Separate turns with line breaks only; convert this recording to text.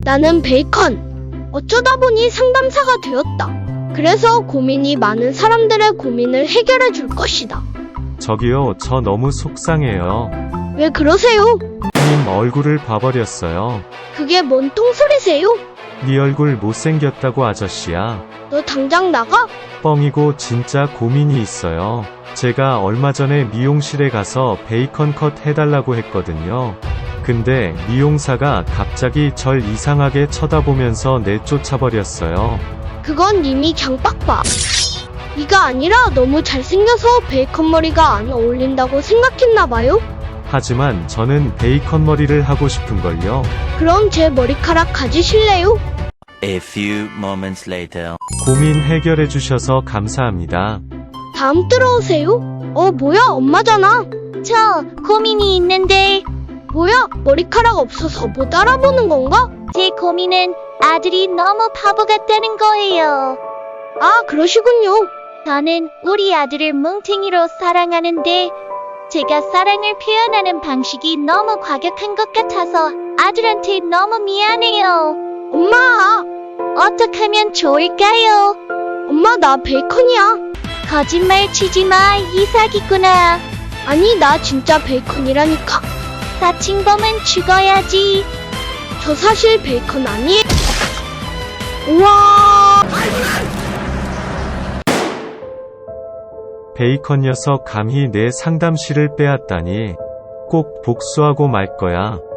나는 베이컨. 어쩌다 보니 상담사가 되었다. 그래서 고민이 많은 사람들의 고민을 해결해 줄 것이다.
저기요, 저 너무 속상해요.
왜 그러세요?
님 얼굴을 봐버렸어요.
그게 뭔 똥소리세요?
네 얼굴 못생겼다고 아저씨야.
너 당장 나가?
뻥이고 진짜 고민이 있어요. 제가 얼마 전에 미용실에 가서 베이컨 컷 해달라고 했거든요. 근데 미용사가 갑자기 절 이상하게 쳐다보면서 내쫓아버렸어요.
그건 이미 강빡봐. 네가 아니라 너무 잘생겨서 베이컨 머리가 안 어울린다고 생각했나봐요?
하지만 저는 베이컨 머리를 하고 싶은걸요.
그럼 제 머리카락 가지실래요?
A few moments later.
고민 해결해 주셔서 감사합니다.
다음 들어오세요. 뭐야, 엄마잖아.
저 고민이 있는데
뭐야, 머리카락 없어서 못 알아보는 건가?
제 고민은 아들이 너무 바보 같다는 거예요.
아, 그러시군요.
저는 우리 아들을 뭉탱이로 사랑하는데 제가 사랑을 표현하는 방식이 너무 과격한 것 같아서 아들한테 너무 미안해요.
엄마!
어떻게 하면 좋을까요?
엄마, 나 베이컨이야.
거짓말 치지 마, 이 사기꾼아.
아니, 나 진짜 베이컨이라니까.
사칭범은 죽어야지.
저 사실 베이컨 아니에요. 우와!
베이컨 녀석 감히 내 상담실을 빼앗다니. 꼭 복수하고 말 거야.